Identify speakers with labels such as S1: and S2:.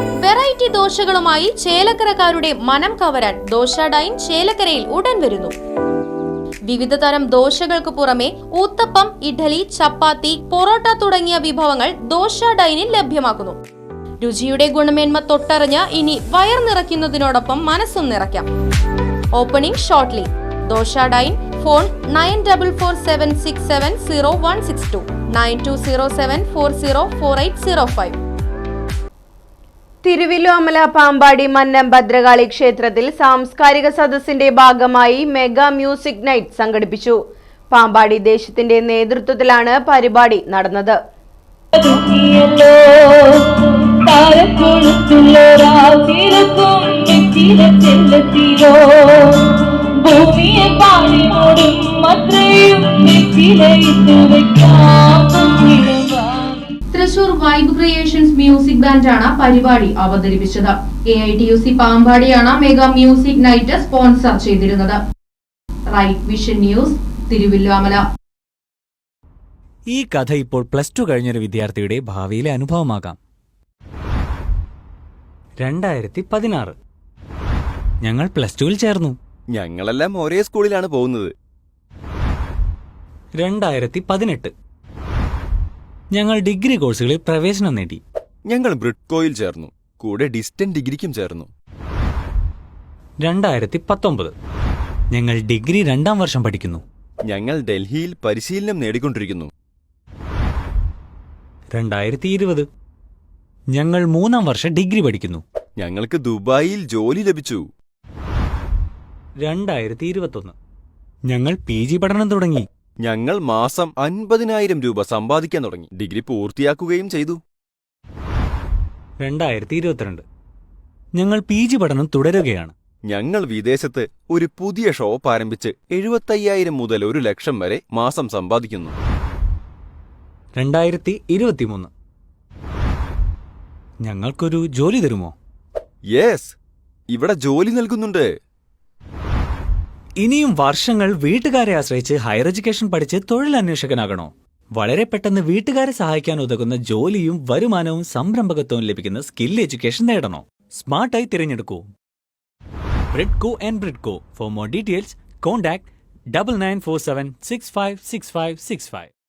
S1: Variety ദോശകളുമായി ചേലക്കരക്കാരുടെ മനം കവരാൻ dosa dine ചേലക്കരയിൽ ഉടൻ വരുന്നു. വിവിധ തരം ദോശകൾക്ക് പുറമെ ഊത്തപ്പം, ഇഡ്ഡലി, ചപ്പാത്തി, പൊറോട്ട തുടങ്ങിയ വിഭവങ്ങൾ ദോശ ഡൈനിൽ ലഭ്യമാക്കുന്നു. രുചിയുടെ ഗുണമേന്മ തൊട്ടറിഞ്ഞ് ഇനി വയർ നിറയ്ക്കുന്നതിനോടൊപ്പം മനസ്സും നിറയ്ക്കാം. Opening shortly. Dosa dine. Phone 9447670162 9207404805.
S2: Thiruvallomala Pampady Mannam Bhadrakali ക്ഷേത്രത്തിൽ സാംസ്കാരിക സദസ്സിന്റെ ഭാഗമായി മെഗാ മ്യൂസിക് നൈറ്റ് സംഘടിപ്പിച്ചു. പാമ്പാടി ദേശത്തിന്റെ നേതൃത്വത്തിലാണ് പരിപാടി നടന്നത്.
S1: തൃശൂർ വൈബ് ക്രിയേഷൻസ് മ്യൂസിക് ബാൻഡാണ് പരിപാടി അവതരിപ്പിച്ചത്. AITUC പാമ്പാടിയാണ് മെഗാ മ്യൂസിക് നൈറ്റ് സ്പോൺസർ ചെയ്തിരുന്നത്. Right vision news, Thiruvallomala.
S3: ഈ കഥ ഇപ്പോൾ +2 കഴിഞ്ഞൊരു വിദ്യാർത്ഥിയുടെ ഭാവിയിലെ അനുഭവമാകാം. 2016 ഞങ്ങൾ +2-ൽ ചേർന്നു.
S4: ഞങ്ങളെല്ലാം ഒരേ സ്കൂളിലാണ് പോകുന്നത്.
S3: 2018 ഞങ്ങൾ ഡിഗ്രി കോഴ്സുകളിൽ പ്രവേശനം നേടി.
S4: ഞങ്ങൾ ബ്രിഡ്കോയിൽ ചേർന്നു. കൂടെ ഡിസ്റ്റന്റ് ഡിഗ്രിക്കും ചേർന്നു.
S3: 2019 ഞങ്ങൾ ഡിഗ്രി 2ാം വർഷം പഠിക്കുന്നു.
S4: ഞങ്ങൾ ഡൽഹിയിൽ പരിശീലനം നേടിക്കൊണ്ടിരിക്കുന്നു.
S3: 2020 ഞങ്ങൾ 3ാം വർഷം ഡിഗ്രി പഠിക്കുന്നു.
S4: ഞങ്ങൾക്ക് ദുബായിൽ ജോലി ലഭിച്ചു.
S3: 2021 ഞങ്ങൾ PG പഠനം തുടങ്ങി.
S4: ഞങ്ങൾ മാസം 50,000 രൂപ സമ്പാദിക്കാൻ തുടങ്ങി. ഡിഗ്രി പൂർത്തിയാക്കുകയും ചെയ്തു.
S3: 2022 ഞങ്ങൾ PG പഠനം തുടരുകയാണ്.
S4: ഞങ്ങൾ വിദേശത്ത് ഒരു പുതിയ ഷോപ്പ് ആരംഭിച്ച് 75,000 മുതൽ 1,00,000 വരെ മാസം സമ്പാദിക്കുന്നു.
S3: 2023 ഞങ്ങൾക്കൊരു ജോലി തരുമോ?
S4: യെസ്, ഇവിടെ ജോലി നൽകുന്നുണ്ട്.
S3: ഇനിയും വർഷങ്ങൾ വീട്ടുകാരെ ആശ്രയിച്ച് ഹയർ എഡ്യൂക്കേഷൻ പഠിച്ച് തൊഴിലന്വേഷകനാകണോ? വളരെ പെട്ടെന്ന് വീട്ടുകാരെ സഹായിക്കാൻ ഉതകുന്ന ജോലിയും വരുമാനവും സംരംഭകത്വവും ലഭിക്കുന്ന സ്കിൽ എഡ്യൂക്കേഷൻ നേടണോ? സ്മാർട്ടായി തിരഞ്ഞെടുക്കൂ Bridco and Bridco. For more details contact 9947656565.